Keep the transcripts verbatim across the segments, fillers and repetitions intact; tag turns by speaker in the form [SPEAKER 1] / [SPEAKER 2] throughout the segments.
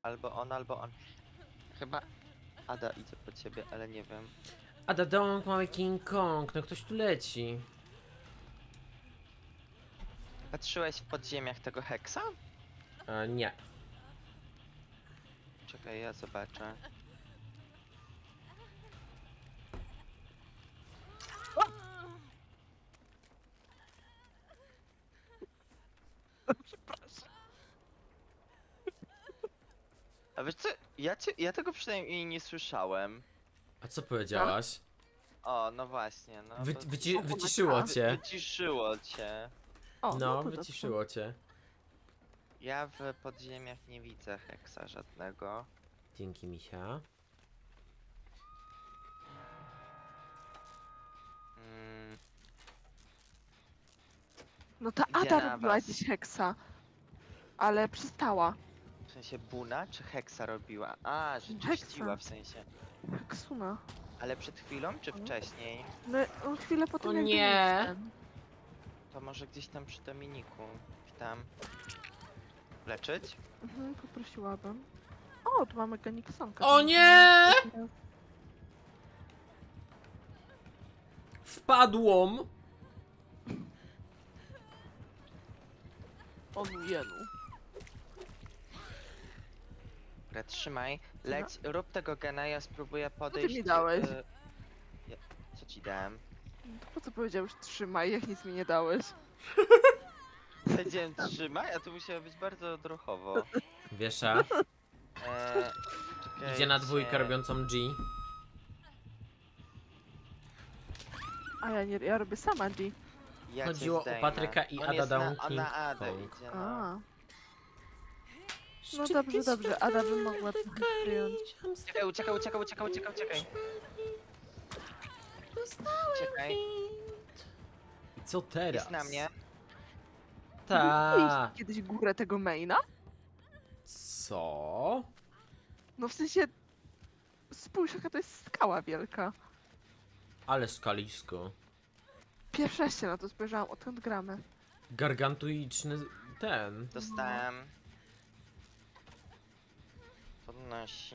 [SPEAKER 1] Albo on, albo on. Chyba Ada idzie po ciebie, ale nie wiem.
[SPEAKER 2] Ada Dong, mały King Kong, no ktoś tu leci.
[SPEAKER 1] Patrzyłeś w podziemiach tego heksa?
[SPEAKER 2] E, nie.
[SPEAKER 1] Czekaj, ja zobaczę. A wiesz co, ja, cię, ja tego przynajmniej nie słyszałem.
[SPEAKER 2] A co powiedziałaś?
[SPEAKER 1] O, no właśnie, no
[SPEAKER 2] Wy,
[SPEAKER 1] to...
[SPEAKER 2] wyci,
[SPEAKER 3] O,
[SPEAKER 2] wyciszyło
[SPEAKER 3] wy-
[SPEAKER 2] cię.
[SPEAKER 1] Wyciszyło cię.
[SPEAKER 3] O,
[SPEAKER 2] No,
[SPEAKER 3] to
[SPEAKER 2] wyciszyło cię.
[SPEAKER 1] Ja w podziemiach nie widzę heksa żadnego.
[SPEAKER 2] Dzięki, misia.
[SPEAKER 1] Mm,
[SPEAKER 3] No ta
[SPEAKER 1] Idzie
[SPEAKER 3] Ada
[SPEAKER 1] na
[SPEAKER 3] robiła
[SPEAKER 1] was.
[SPEAKER 3] gdzieś heksa. Ale przestała.
[SPEAKER 1] w sensie Buna czy heksa robiła? A, że
[SPEAKER 3] Heksa.
[SPEAKER 1] czyściła w sensie.
[SPEAKER 3] Heksuna.
[SPEAKER 1] Ale przed chwilą czy
[SPEAKER 3] Mhm.
[SPEAKER 1] wcześniej?
[SPEAKER 3] No on chwilę po tym
[SPEAKER 2] O
[SPEAKER 3] jak
[SPEAKER 2] nie.
[SPEAKER 3] Dominik ten.
[SPEAKER 1] To może gdzieś tam przy Dominiku. Tam. Leczyć?
[SPEAKER 3] Mhm, poprosiłabym. O, tu mamy Geniksonka.
[SPEAKER 2] O nie! Wpadłam!
[SPEAKER 3] On jenu.
[SPEAKER 1] Dobra, trzymaj. Leć, rób tego gena, ja spróbuję podejść.
[SPEAKER 3] mi dałeś?
[SPEAKER 1] y, ja, co ci dałem?
[SPEAKER 3] To po co powiedziałeś trzymaj, jak nic mi nie dałeś?
[SPEAKER 1] Powiedziałem trzymaj, a to musiało być bardzo odruchowo.
[SPEAKER 2] Wiesza.
[SPEAKER 1] Eee,
[SPEAKER 2] Idzie na
[SPEAKER 1] czekajcie.
[SPEAKER 2] dwójkę robiącą G.
[SPEAKER 3] A ja nie, ja robię sama G.
[SPEAKER 1] Ja cię
[SPEAKER 2] Chodziło o
[SPEAKER 1] zdejmę.
[SPEAKER 2] Patryka i
[SPEAKER 1] On
[SPEAKER 2] Ada
[SPEAKER 1] jest na,
[SPEAKER 2] Down
[SPEAKER 1] on
[SPEAKER 2] King
[SPEAKER 1] na Adę
[SPEAKER 2] Kong.
[SPEAKER 1] idzie, no.
[SPEAKER 3] A. No dobrze, dobrze. Ada by mogła trochę przyjąć.
[SPEAKER 1] Uciekaj, uciekaj, uciekaj, uciekaj, uciekaj, uciekaj. Uciekaj,
[SPEAKER 2] I co teraz?
[SPEAKER 1] jest na mnie.
[SPEAKER 2] Ta.
[SPEAKER 3] Widzieliście kiedyś górę tego maina?
[SPEAKER 2] Co?
[SPEAKER 3] No w sensie... Spójrz, jaka to jest skała wielka.
[SPEAKER 2] Ale skalisko.
[SPEAKER 3] Pierwszy raz się na to spojrzałam, odkąd gramy.
[SPEAKER 2] Gargantuiczny ten.
[SPEAKER 1] Dostałem. Podnosi.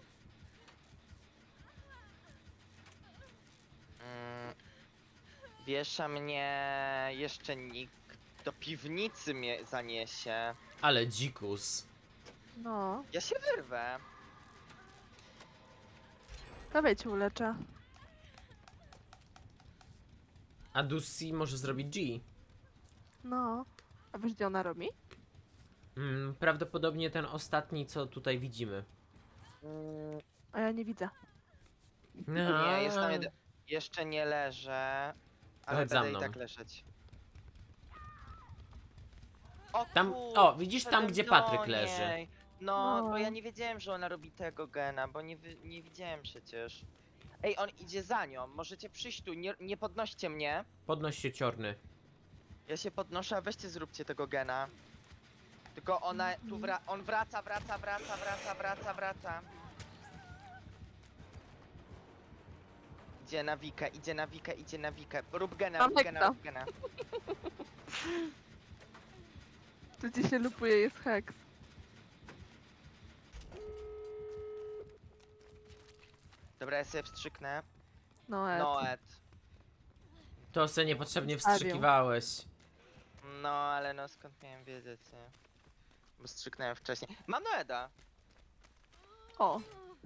[SPEAKER 1] Mm. Wiesza mnie jeszcze nikt. Do piwnicy mnie zaniesie.
[SPEAKER 2] Ale dzikus.
[SPEAKER 3] No,
[SPEAKER 1] Ja się wyrwę.
[SPEAKER 3] dawaj cię uleczę.
[SPEAKER 2] A Dusi może zrobić G.
[SPEAKER 3] No. A wiesz, gdzie ona robi?
[SPEAKER 2] Mm, prawdopodobnie ten ostatni, co tutaj widzimy.
[SPEAKER 1] Mm.
[SPEAKER 3] A ja nie widzę.
[SPEAKER 1] Nie, jest tam jeden. Jeszcze nie leżę. Ale
[SPEAKER 2] Chodź za
[SPEAKER 1] będę i
[SPEAKER 2] mną.
[SPEAKER 1] tak leżeć. O,
[SPEAKER 2] Tam-
[SPEAKER 1] kurczę,
[SPEAKER 2] o, widzisz tam,
[SPEAKER 1] wszedłem
[SPEAKER 2] gdzie
[SPEAKER 1] do
[SPEAKER 2] Patryk
[SPEAKER 1] niej.
[SPEAKER 2] leży.
[SPEAKER 1] No,
[SPEAKER 3] No.
[SPEAKER 1] bo ja nie wiedziałem, że ona robi tego gena, bo nie, wy- nie widziałem przecież. Ej, on idzie za nią, możecie przyjść tu, nie, nie podnoście mnie.
[SPEAKER 2] Podnoś się, ciorny.
[SPEAKER 1] Ja się podnoszę, a weźcie zróbcie tego gena. Tylko ona tu wra on wraca, wraca, wraca, wraca, wraca, wraca. Idzie na Wikę, idzie na Wikę, idzie na Wikę. Rób gena,
[SPEAKER 3] Mam
[SPEAKER 1] rób gena,
[SPEAKER 3] heksa.
[SPEAKER 1] rób gena.
[SPEAKER 3] Tu gdzie się lupuje jest heks.
[SPEAKER 1] Dobra, ja sobie wstrzyknę.
[SPEAKER 3] No, Ed.
[SPEAKER 1] Noet.
[SPEAKER 2] To se niepotrzebnie
[SPEAKER 3] Zostawił.
[SPEAKER 2] wstrzykiwałeś.
[SPEAKER 1] No, ale no skąd miałem wiedzieć, nie? Bo strzyknąłem wcześniej. Mam Noeda!
[SPEAKER 3] O,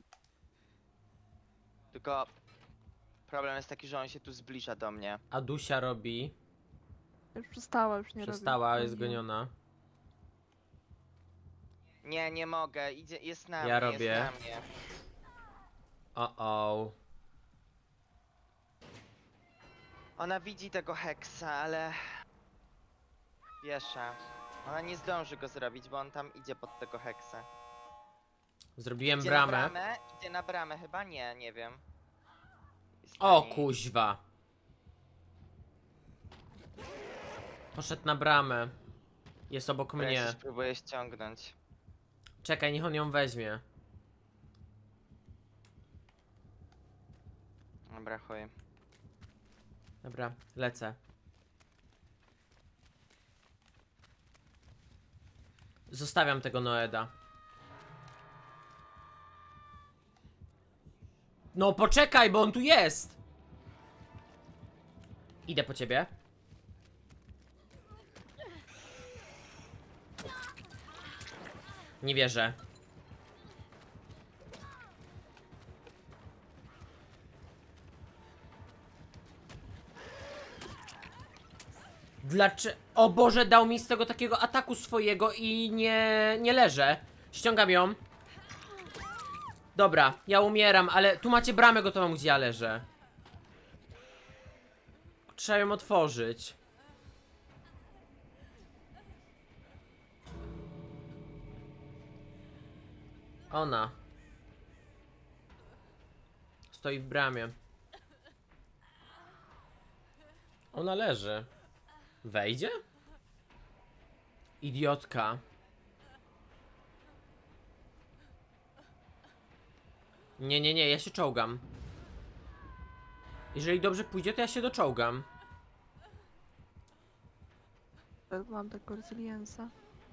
[SPEAKER 1] Tylko problem jest taki, że on się tu zbliża do mnie.
[SPEAKER 2] A Dusia robi.
[SPEAKER 3] już przestała, już nie
[SPEAKER 2] Przestała,
[SPEAKER 3] robi.
[SPEAKER 2] jest goniona.
[SPEAKER 1] Nie, nie mogę, idzie, jest na
[SPEAKER 2] Ja
[SPEAKER 1] mnie,
[SPEAKER 2] robię.
[SPEAKER 1] jest na mnie.
[SPEAKER 2] O o.
[SPEAKER 1] Ona widzi tego heksa, ale... Wiesza. Ona nie zdąży go zrobić, bo on tam idzie pod tego heksa.
[SPEAKER 2] Zrobiłem
[SPEAKER 1] Idzie
[SPEAKER 2] bramę.
[SPEAKER 1] na bramę, idzie na bramę, chyba nie, nie wiem. Jest na
[SPEAKER 2] O
[SPEAKER 1] niej.
[SPEAKER 2] kuźwa. Poszedł na bramę. Jest obok
[SPEAKER 1] Dobra, Ja się
[SPEAKER 2] mnie.
[SPEAKER 1] spróbuję ściągnąć.
[SPEAKER 2] Czekaj, niech on ją weźmie.
[SPEAKER 1] Dobra, chuj.
[SPEAKER 2] Dobra, lecę. Zostawiam tego Noeda. No poczekaj, bo on tu jest! Idę po ciebie. Nie wierzę. Dlaczego? O Boże, dał mi z tego takiego ataku swojego i nie, nie leżę. Ściągam ją. Dobra, ja umieram, ale tu macie bramę gotową, gdzie ja leżę. Trzeba ją otworzyć. Ona. Stoi w bramie. Ona leży. Wejdzie? Idiotka. Nie, nie, nie, ja się czołgam. Jeżeli dobrze pójdzie, to ja się doczołgam.
[SPEAKER 3] Mam tego resiliensa.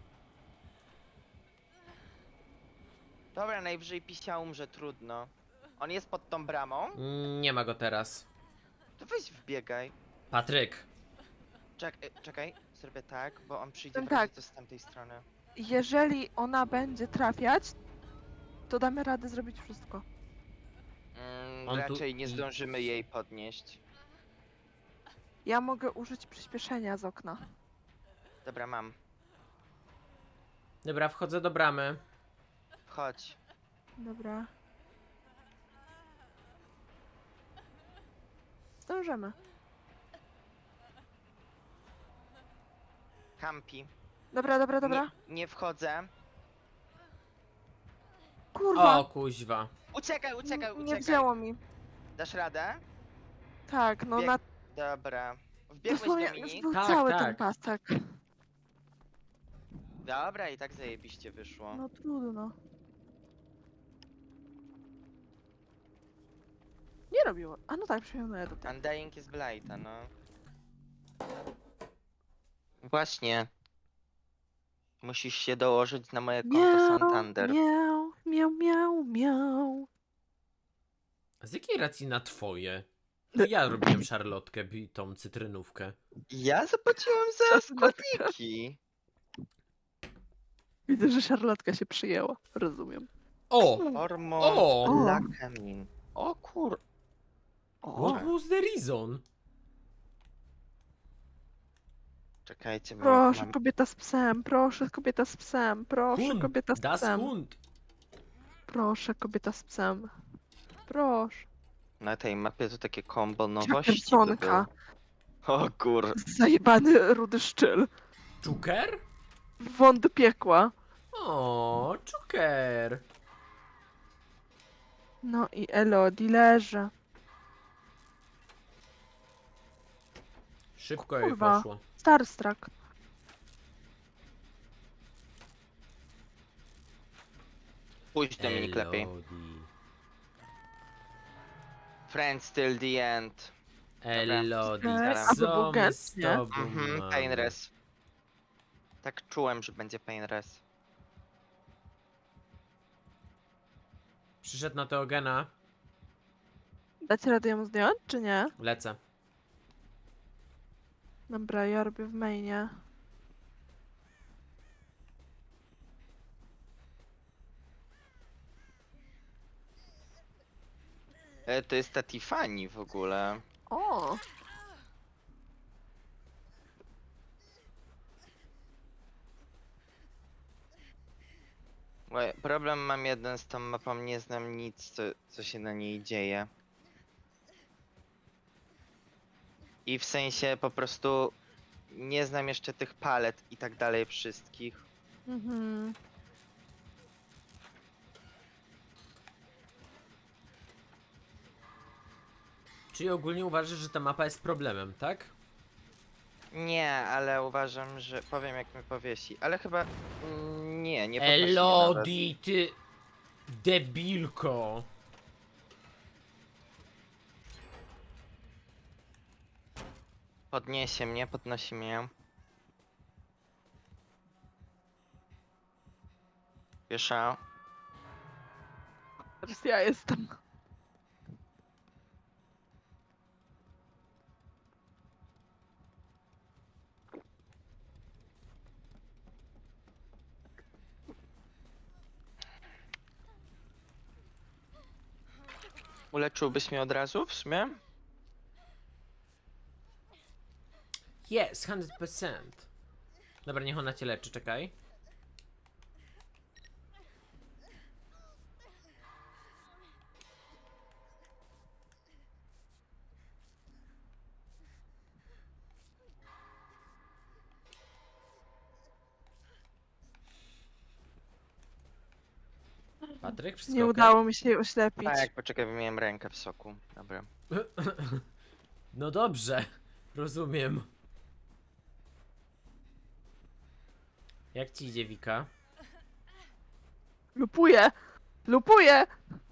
[SPEAKER 1] Dobra, najwyżej Pisia umrze, trudno. On jest pod tą bramą?
[SPEAKER 2] Nie ma go teraz.
[SPEAKER 1] To weź wbiegaj.
[SPEAKER 2] Patryk.
[SPEAKER 1] Czek e, czekaj, zrobię tak, bo on przyjdzie
[SPEAKER 3] Ten
[SPEAKER 1] w razie
[SPEAKER 3] tak.
[SPEAKER 1] co z tamtej strony.
[SPEAKER 3] Jeżeli ona będzie trafiać, to damy radę zrobić wszystko.
[SPEAKER 1] Mm,
[SPEAKER 2] On tu
[SPEAKER 1] raczej nie
[SPEAKER 2] i-
[SPEAKER 1] zdążymy jej podnieść.
[SPEAKER 3] Ja mogę użyć przyspieszenia z okna.
[SPEAKER 1] Dobra, mam.
[SPEAKER 2] Dobra, wchodzę do bramy.
[SPEAKER 1] Chodź.
[SPEAKER 3] Dobra. Zdążymy.
[SPEAKER 1] Kampi.
[SPEAKER 3] Dobra, dobra, dobra.
[SPEAKER 1] Nie, nie wchodzę.
[SPEAKER 3] Kurwa!
[SPEAKER 2] O, kuźwa.
[SPEAKER 1] Uciekaj, uciekaj,
[SPEAKER 3] N- nie
[SPEAKER 1] uciekaj.
[SPEAKER 3] wzięło mi.
[SPEAKER 1] Dasz radę?
[SPEAKER 3] Tak, no
[SPEAKER 1] Bieg-
[SPEAKER 3] na...
[SPEAKER 1] Dobra. Wbiegłeś,
[SPEAKER 3] Dosłownie już
[SPEAKER 1] Dominik?
[SPEAKER 3] był
[SPEAKER 2] Tak,
[SPEAKER 3] cały
[SPEAKER 2] tak.
[SPEAKER 3] ten pasek.
[SPEAKER 1] Dobra, i tak zajebiście wyszło.
[SPEAKER 3] No trudno. Nie robiło. A no tak, przyjmuję do tego.
[SPEAKER 1] Undying jest Blighta, no. Właśnie. Musisz się dołożyć na moje konto
[SPEAKER 3] Miau,
[SPEAKER 1] Santander.
[SPEAKER 3] miau, miau, miau, miau.
[SPEAKER 2] A z jakiej racji na twoje? To ja robiłem szarlotkę, bi- tą cytrynówkę.
[SPEAKER 1] Ja zapłaciłam za składniki.
[SPEAKER 3] Widzę, że szarlotka się przyjęła. Rozumiem.
[SPEAKER 2] O!
[SPEAKER 1] Hormon
[SPEAKER 2] O!
[SPEAKER 1] Lakamin. O kur... O,
[SPEAKER 2] What was the reason?
[SPEAKER 1] czekajcie, bo
[SPEAKER 3] Proszę,
[SPEAKER 1] mam...
[SPEAKER 3] kobieta z psem, proszę, kobieta z psem, proszę,
[SPEAKER 2] Hund!
[SPEAKER 3] kobieta z
[SPEAKER 2] Das
[SPEAKER 3] psem.
[SPEAKER 2] Hund!
[SPEAKER 3] Proszę, kobieta z psem. Proszę.
[SPEAKER 1] Na tej mapie to takie kombo nowości by
[SPEAKER 3] Jackersonka.
[SPEAKER 1] było. O kur...
[SPEAKER 3] Zajebany rudy szczyl.
[SPEAKER 2] Czuker?
[SPEAKER 3] Won do piekła.
[SPEAKER 2] O, czuker!
[SPEAKER 3] No i Elodie leży.
[SPEAKER 2] Szybko jej
[SPEAKER 3] Kurwa.
[SPEAKER 2] poszło.
[SPEAKER 3] Starstruck.
[SPEAKER 1] Pójdź Dominik lepiej.
[SPEAKER 2] Elodie.
[SPEAKER 1] Friends till the end.
[SPEAKER 2] Elodie,
[SPEAKER 3] Dobra.
[SPEAKER 1] A
[SPEAKER 3] by był
[SPEAKER 2] co my
[SPEAKER 3] gęst,
[SPEAKER 2] z
[SPEAKER 3] nie?
[SPEAKER 2] tobą
[SPEAKER 1] Mhm,
[SPEAKER 2] mamy?
[SPEAKER 1] pain res. Tak czułem, że będzie pain res.
[SPEAKER 2] Przyszedł na Teogena.
[SPEAKER 3] Dacie radę ją zdjąć, czy nie?
[SPEAKER 2] Lecę.
[SPEAKER 3] Dobra, ja robię w mainie.
[SPEAKER 1] E, to jest ta Tiffany w ogóle.
[SPEAKER 3] O!
[SPEAKER 1] Bo problem mam jeden z tą mapą, nie znam nic, co, co się na niej dzieje. I w sensie po prostu nie znam jeszcze tych palet i tak dalej wszystkich.
[SPEAKER 3] Mhm.
[SPEAKER 2] Czyli ogólnie uważasz, że ta mapa jest problemem, tak?
[SPEAKER 1] Nie, ale uważam, że powiem jak mnie powiesi, ale chyba mm, nie, nie podnosi mnie nawet.
[SPEAKER 2] Elodie, ty debilko.
[SPEAKER 1] Podniesie mnie, podnosi mnie. Wiesza.
[SPEAKER 3] Teraz ja jestem.
[SPEAKER 1] Uleczyłbyś mnie od razu w sumie?
[SPEAKER 2] Yes, sto procent. Dobra, niech ona cię leczy, czekaj. Patryk, wszystko
[SPEAKER 3] Nie
[SPEAKER 2] okej?
[SPEAKER 3] udało mi się jej oślepić.
[SPEAKER 1] Tak, poczekaj, wymieniłem rękę w soku. Dobra.
[SPEAKER 2] No dobrze, rozumiem. Jak ci idzie, Wika?
[SPEAKER 3] Lupuję! Lupuję!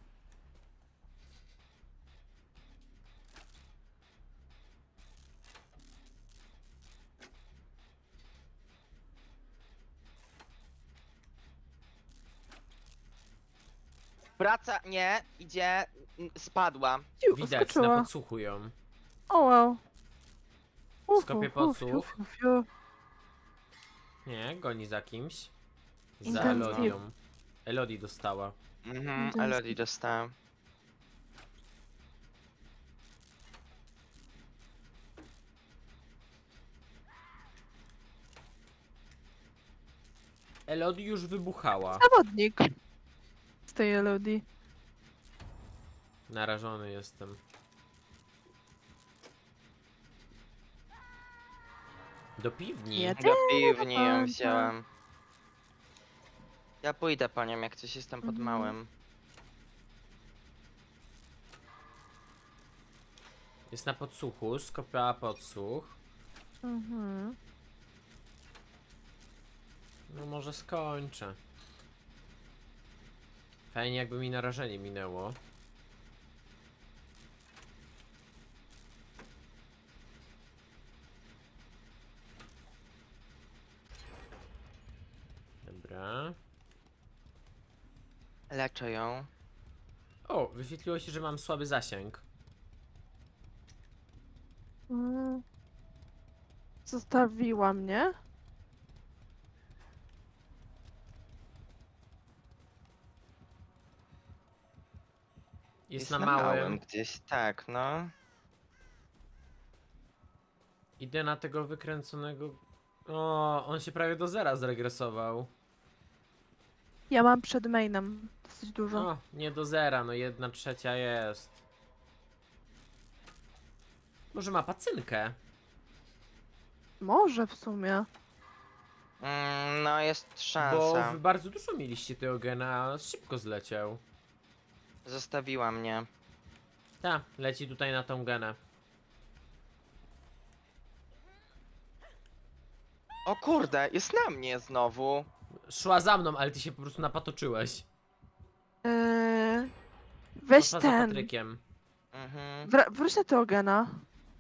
[SPEAKER 1] Wraca, nie, idzie, n- spadła.
[SPEAKER 3] Ciu,
[SPEAKER 2] Widać, na
[SPEAKER 3] skoczyła.
[SPEAKER 2] podsłuchu ją.
[SPEAKER 3] O wow. Uf,
[SPEAKER 2] Skopię
[SPEAKER 3] uf, uf,
[SPEAKER 2] podsłuch.
[SPEAKER 3] uf, uf, uf.
[SPEAKER 2] Nie, goni za kimś. Za
[SPEAKER 3] Intensywnie.
[SPEAKER 2] Elodią. Elodie dostała.
[SPEAKER 1] Mhm,
[SPEAKER 3] Intensy.
[SPEAKER 1] Elodie dostała.
[SPEAKER 2] Elodie już wybuchała.
[SPEAKER 3] Zawodnik. Z tej Elodii.
[SPEAKER 2] Narażony jestem. Do piwni.
[SPEAKER 3] Nie.
[SPEAKER 1] Do piwni ją
[SPEAKER 3] Panta.
[SPEAKER 1] wziąłem. Ja pójdę po nią, jak coś jestem pod
[SPEAKER 3] Mhm.
[SPEAKER 1] małym.
[SPEAKER 2] Jest na podsłuchu, skopiała podsłuch.
[SPEAKER 3] Mhm.
[SPEAKER 2] No może skończę. Fajnie jakby mi narażenie minęło. Dobra.
[SPEAKER 1] Leczę ją.
[SPEAKER 2] O, wyświetliło się, że mam słaby zasięg.
[SPEAKER 3] Mm. Zostawiła mnie.
[SPEAKER 2] Jest, na małym.
[SPEAKER 1] gdzieś, tak, no.
[SPEAKER 2] Idę na tego wykręconego... O, on się prawie do zera zregresował.
[SPEAKER 3] Ja mam przed mainem dosyć dużo.
[SPEAKER 2] No, nie do zera, no jedna trzecia jest. Może ma pacynkę?
[SPEAKER 3] Może w sumie.
[SPEAKER 1] Mm, no, jest
[SPEAKER 2] Bo
[SPEAKER 1] szansa.
[SPEAKER 2] wy bardzo dużo mieliście tego gena, a szybko zleciał.
[SPEAKER 1] Zostawiła mnie.
[SPEAKER 2] Ta, leci tutaj na tą genę.
[SPEAKER 1] O kurde, jest na mnie znowu.
[SPEAKER 2] Szła za mną, ale ty się po prostu napatoczyłeś.
[SPEAKER 3] Eee, weź
[SPEAKER 2] Poszła za
[SPEAKER 3] ten.
[SPEAKER 2] Patrykiem.
[SPEAKER 1] Mhm.
[SPEAKER 3] Wr- wróć na tego gena.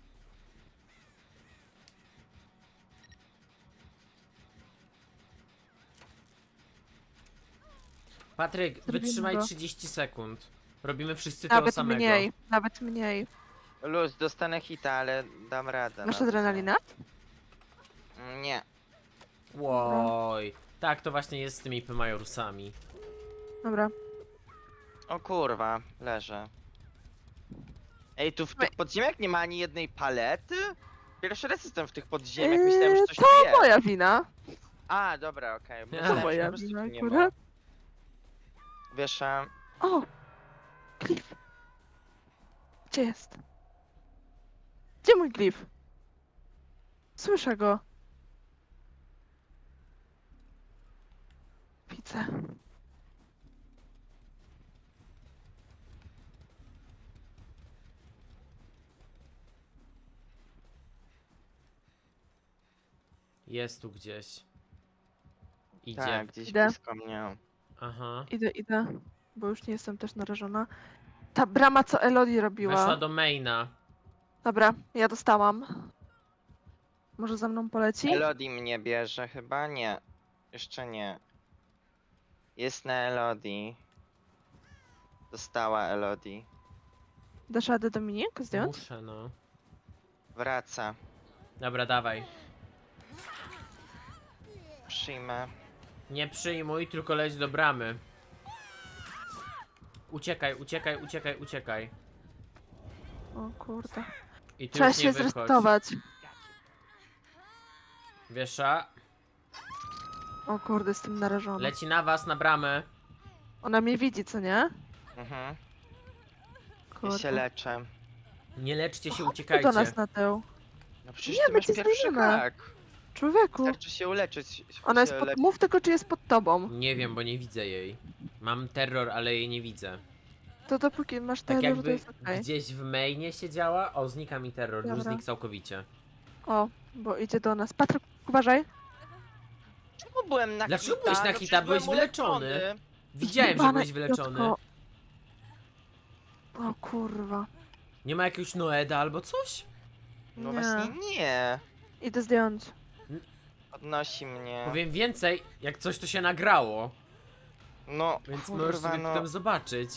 [SPEAKER 2] Patryk,
[SPEAKER 3] Zrobimy
[SPEAKER 2] wytrzymaj
[SPEAKER 3] go.
[SPEAKER 2] trzydzieści sekund. Robimy wszyscy tego
[SPEAKER 3] Nawet
[SPEAKER 2] samego.
[SPEAKER 3] mniej, nawet mniej.
[SPEAKER 1] Luz, dostanę hita, ale dam radę.
[SPEAKER 3] Masz
[SPEAKER 1] no.
[SPEAKER 3] adrenalinę?
[SPEAKER 1] Mm, Nie.
[SPEAKER 2] Łoj. Tak, to właśnie jest z tymi P-Majorusami.
[SPEAKER 3] Dobra.
[SPEAKER 1] O kurwa, leżę. Ej, tu w tych podziemiach nie ma ani jednej palety? Pierwszy raz jestem w tych podziemiach, myślałem, że
[SPEAKER 3] Eee,
[SPEAKER 1] coś
[SPEAKER 3] to
[SPEAKER 1] tu jest.
[SPEAKER 3] moja wina.
[SPEAKER 1] A, dobra, okej.
[SPEAKER 2] To
[SPEAKER 1] Myślałem, że
[SPEAKER 3] moja
[SPEAKER 1] po prostu
[SPEAKER 3] wina
[SPEAKER 1] tu nie ma.
[SPEAKER 3] akurat.
[SPEAKER 1] Wiesz, a...
[SPEAKER 3] O! Cliff. Gdzie jest? Gdzie mój Cliff? Słyszę go. Widzę.
[SPEAKER 2] Jest tu gdzieś. Idzie.
[SPEAKER 1] Tak, gdzieś
[SPEAKER 3] Idę.
[SPEAKER 1] blisko mnie.
[SPEAKER 2] Aha.
[SPEAKER 3] Idę, idę. Bo już nie jestem też narażona. Ta brama, co Elodie robiła.
[SPEAKER 2] Weszła do maina.
[SPEAKER 3] Dobra, ja dostałam. Może za mną poleci?
[SPEAKER 1] Elodie mnie bierze chyba? Nie. Jeszcze nie. Jest na Elodie. Dostała Elodie.
[SPEAKER 3] Dasz radę Dominik zdjąć?
[SPEAKER 2] Muszę, no.
[SPEAKER 1] Wraca.
[SPEAKER 2] Dobra, dawaj.
[SPEAKER 1] Przyjmę.
[SPEAKER 2] Nie przyjmuj, tylko leć do bramy. Uciekaj, uciekaj, uciekaj, uciekaj.
[SPEAKER 3] O kurde.
[SPEAKER 2] I tu
[SPEAKER 3] Trzeba
[SPEAKER 2] już nie
[SPEAKER 3] się
[SPEAKER 2] wychodź.
[SPEAKER 3] zresetować.
[SPEAKER 2] Wiesza,
[SPEAKER 3] O kurde, jestem narażona.
[SPEAKER 2] leci na was, na bramę.
[SPEAKER 3] Ona mnie widzi, co nie?
[SPEAKER 1] Mhm. Ja
[SPEAKER 3] Kurde.
[SPEAKER 1] się leczę.
[SPEAKER 2] Nie leczcie się,
[SPEAKER 3] Chodź
[SPEAKER 2] uciekajcie.
[SPEAKER 3] do nas na tył.
[SPEAKER 1] No przecież
[SPEAKER 3] Nie,
[SPEAKER 1] ty
[SPEAKER 3] my
[SPEAKER 1] masz
[SPEAKER 3] cię
[SPEAKER 1] pierwszy
[SPEAKER 3] zdejmiemy.
[SPEAKER 1] hak.
[SPEAKER 3] Człowieku,
[SPEAKER 1] Wystarczy się uleczyć.
[SPEAKER 3] ona jest
[SPEAKER 1] się
[SPEAKER 3] pod...
[SPEAKER 1] leczy.
[SPEAKER 3] Mów tylko, czy jest pod tobą.
[SPEAKER 2] Nie wiem, bo nie widzę jej. Mam terror, ale jej nie widzę.
[SPEAKER 3] To dopóki masz
[SPEAKER 2] Tak
[SPEAKER 3] terror, to
[SPEAKER 2] jakby
[SPEAKER 3] jest okej.
[SPEAKER 2] gdzieś w mainie siedziała. O, znika mi terror, już
[SPEAKER 3] Dobra.
[SPEAKER 2] znikł całkowicie.
[SPEAKER 3] O, bo idzie do nas. Patryk, uważaj.
[SPEAKER 1] Czemu byłem na
[SPEAKER 2] Dlaczego
[SPEAKER 1] hita?
[SPEAKER 2] byłeś na
[SPEAKER 1] No
[SPEAKER 2] hita?
[SPEAKER 1] przecież
[SPEAKER 2] Byłeś
[SPEAKER 1] byłem
[SPEAKER 2] wyleczony.
[SPEAKER 1] uleczony.
[SPEAKER 2] Widziałem, że
[SPEAKER 3] Jebane
[SPEAKER 2] byłeś wyleczony.
[SPEAKER 3] idiotko. O kurwa.
[SPEAKER 2] Nie ma jakiegoś Noeda albo coś?
[SPEAKER 1] No
[SPEAKER 3] Nie.
[SPEAKER 1] właśnie nie.
[SPEAKER 3] Idę zdjąć.
[SPEAKER 1] Podnosi mnie.
[SPEAKER 2] Powiem więcej, jak coś to się nagrało.
[SPEAKER 1] No,
[SPEAKER 2] Więc możesz
[SPEAKER 1] kurwa,
[SPEAKER 2] sobie
[SPEAKER 1] no.
[SPEAKER 2] potem zobaczyć.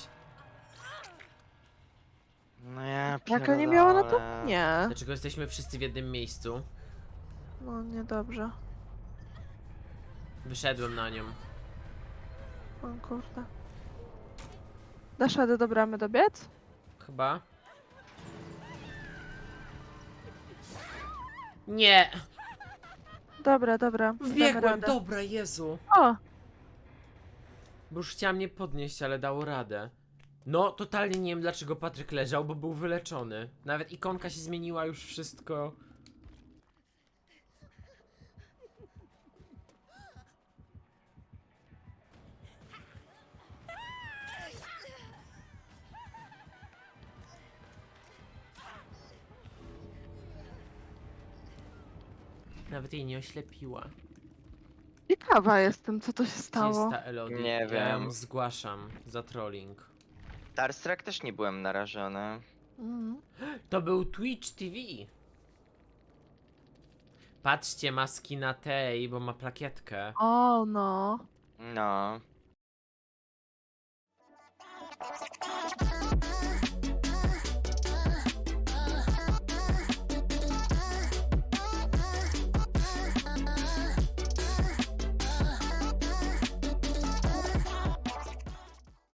[SPEAKER 1] No ja
[SPEAKER 3] Jak nie miała na to?
[SPEAKER 1] pierdolę.
[SPEAKER 3] Nie.
[SPEAKER 2] Dlaczego jesteśmy wszyscy w jednym miejscu?
[SPEAKER 3] No niedobrze.
[SPEAKER 2] Wyszedłem na nią.
[SPEAKER 3] O kurde. Dasz radę do bramy dobiec?
[SPEAKER 2] Chyba. Nie!
[SPEAKER 3] Dobra, dobra. Damy
[SPEAKER 2] Wbiegłem,
[SPEAKER 3] radę.
[SPEAKER 2] dobra, Jezu.
[SPEAKER 3] O!
[SPEAKER 2] Bo już chciała mnie podnieść, ale dało radę. No, totalnie nie wiem dlaczego Patryk leżał, bo był wyleczony. Nawet ikonka się zmieniła, już wszystko. Nawet jej nie oślepiła.
[SPEAKER 3] Ciekawa jestem, co to się
[SPEAKER 2] Gdzie jest
[SPEAKER 3] stało.
[SPEAKER 2] ta Elodie?
[SPEAKER 1] Nie
[SPEAKER 2] Ja ją
[SPEAKER 1] wiem.
[SPEAKER 2] zgłaszam za trolling.
[SPEAKER 1] Starstruck też nie byłem narażony.
[SPEAKER 3] Mhm.
[SPEAKER 2] To był Twitch T V. Patrzcie, maski na tej, bo ma plakietkę.
[SPEAKER 3] O no.
[SPEAKER 1] No.